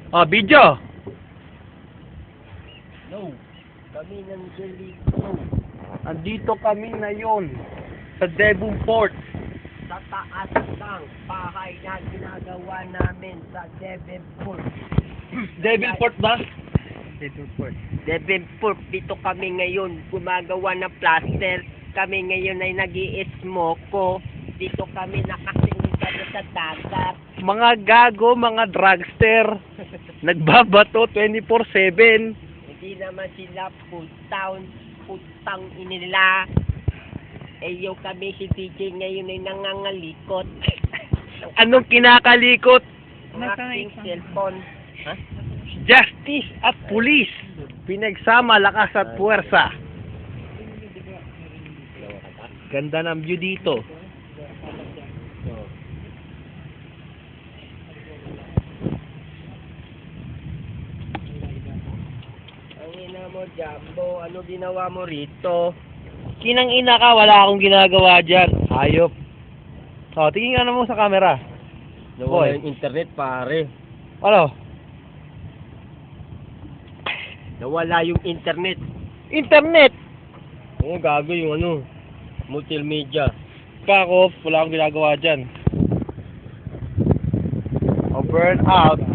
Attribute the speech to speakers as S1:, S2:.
S1: Oh, video.
S2: No. Kami nandito. Andito kami ngayon sa Devonport. Sa taas ng bahay na ginagawa namin sa Devonport.
S1: Devonport ba?
S2: Devonport. Dito kami ngayon gumagawa ng plaster. Kami ngayon ay nag-i-smoko. Dito kami nakasingin sa dagat.
S1: Mga gago, mga drugster. Nagbabato 24/7.
S2: Hindi naman sila putang inila. Yung kami si DJ ngayon ay nangangalikot.
S1: Anong kinakalikot?
S2: Ang aking cellphone. Ha?
S1: Justice at police. Pinagsama lakas at puwersa. Ganda ng view dito.
S2: Ang ina mo, Jumbo, ano ginawa mo rito?
S1: Kinang ina ka, wala akong ginagawa dyan. Hayop. Oh, tingin ka na mo sa camera.
S2: Nawala
S1: Boy.
S2: yung internet, pare.
S1: Ano?
S2: Nawala yung internet.
S1: Internet!
S2: Oo, gago yung ano, multimedia.
S1: Pa ako, wala akong ginagawa dyan. Oh, burn out.